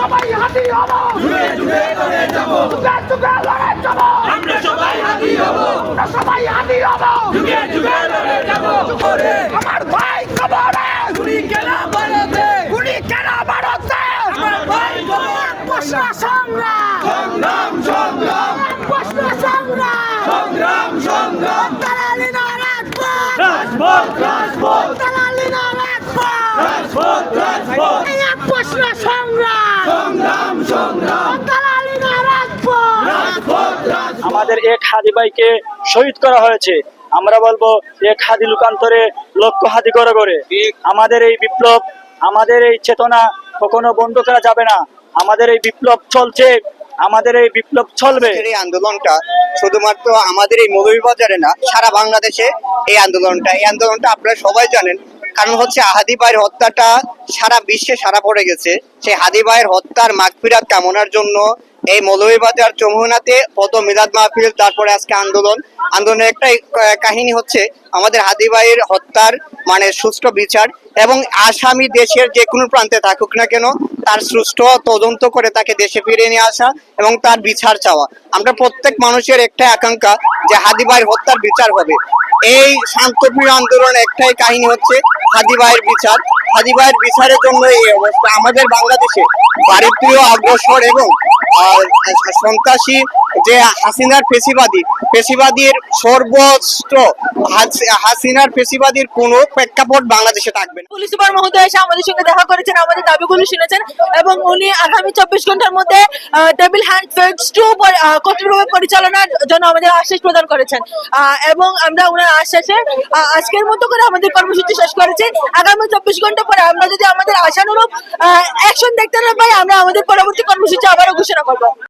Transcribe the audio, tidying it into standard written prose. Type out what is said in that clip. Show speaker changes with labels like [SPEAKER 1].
[SPEAKER 1] সবাই হাতি হব,
[SPEAKER 2] যুগে যুগে লড়ে যাব,
[SPEAKER 1] যুগে যুগে লড়ে যাব,
[SPEAKER 2] আমরা সবাই হাতি হব,
[SPEAKER 1] আমরা সবাই হাতি হব,
[SPEAKER 2] যুগে যুগে লড়ে যাব। করে
[SPEAKER 1] আমার ভাই কবরে,
[SPEAKER 2] গুলি কেন ভারতে,
[SPEAKER 1] গুলি কেন ভারতে,
[SPEAKER 2] আমার ভাই কবর,
[SPEAKER 1] প্রশ্ন সংগ্রাম,
[SPEAKER 2] সংগ্রাম সংগ্রাম
[SPEAKER 1] প্রশ্ন সংগ্রাম,
[SPEAKER 2] সংগ্রাম সংগ্রাম,
[SPEAKER 1] দালালি না রাজপথ,
[SPEAKER 2] রাজপথ রাজপথ,
[SPEAKER 1] দালালি না রাজপথ,
[SPEAKER 2] রাজপথ রাজপথ,
[SPEAKER 1] এই এক প্রশ্ন সংগ্রাম,
[SPEAKER 2] সংগ্রাম সংগ্রাম,
[SPEAKER 1] দালালি না রাজপথ,
[SPEAKER 2] রাজপথ রাজপথ।
[SPEAKER 3] আমাদের এক হাদি ভাইকে শহীদ করা হয়েছে। আমরা বলবো এক হাদি লোকান্তরে লক্ষ হাদি করে করে। আমাদের এই বিপ্লব, আমাদের এই চেতনা কখনো বন্ধ করা যাবে না। আমাদের এই বিপ্লব চলছে, আমাদের এই বিপ্লব চলবে।
[SPEAKER 4] আজকের এই আন্দোলনটা শুধুমাত্র আমাদের এই মৌলভীবাজারে না, সারা বাংলাদেশে এই আন্দোলনটা আপনারা সবাই জানেন। কারণ হচ্ছে হাদি ভাইয়ের হত্যাটা সারা বিশ্বে সারা পড়ে গেছে। সেই হাদি ভাইয়ের হত্যার মাগফিরাত কামনার জন্য এই মৌলভীবাজার যমুনাতে কত মিলাদ মাহফিল, তারপরে আজকে আন্দোলনের একটাই কাহিনী হচ্ছে আমাদের হাদি ভাইয়ের হত্যার মানে সুষ্ঠু বিচার, এবং আসামি দেশের যে কোনো প্রান্তে থাকুক না কেন তার সুষ্ঠু তদন্ত করে তাকে দেশে ফিরিয়ে নিয়ে আসা এবং তার বিচার চাওয়া। আমরা প্রত্যেক মানুষের একটাই আকাঙ্ক্ষা যে হাদি ভাইয়ের হত্যার বিচার হবে। এই শান্তপ্রিয় আন্দোলন একটাই কাহিনী হচ্ছে হাদি ভাইয়ের বিচার। হাদি ভাইয়ের বিচারের জন্য এই অবস্থা। আমাদের বাংলাদেশে ভারতীয় অগ্রসর এবং সন্ত্রাসী যে হাসিনার পেশিবাদীর সর্বোচ্চ হাসিনার পেশিবাদীর কোনো প্রেক্ষাপট বাংলাদেশে থাকবে না।
[SPEAKER 5] পুলিশ সুপার মহোদয় এসে আমাদের সঙ্গে দেখা করেছেন, আমাদের দাবিগুলো শুনেছেন এবং উনি আগামী 24 ঘন্টার মধ্যে টেবিল হ্যান্ড ফেজ 2 কর্তৃপক্ষ পরিচালনার জন্য আমাদের আশ্বাস প্রদান করেছেন এবং আমরা ওনার আশ্বাসে আজকের মতো করে আমাদের কর্মসূচি শেষ করেছি। আগামী 24 ঘন্টা পরে আমরা যদি আমাদের আশানুরূপ অ্যাকশন দেখতে না পাই, আমরা আমাদের পরবর্তী কর্মসূচি আবারও ঘোষণা করবো।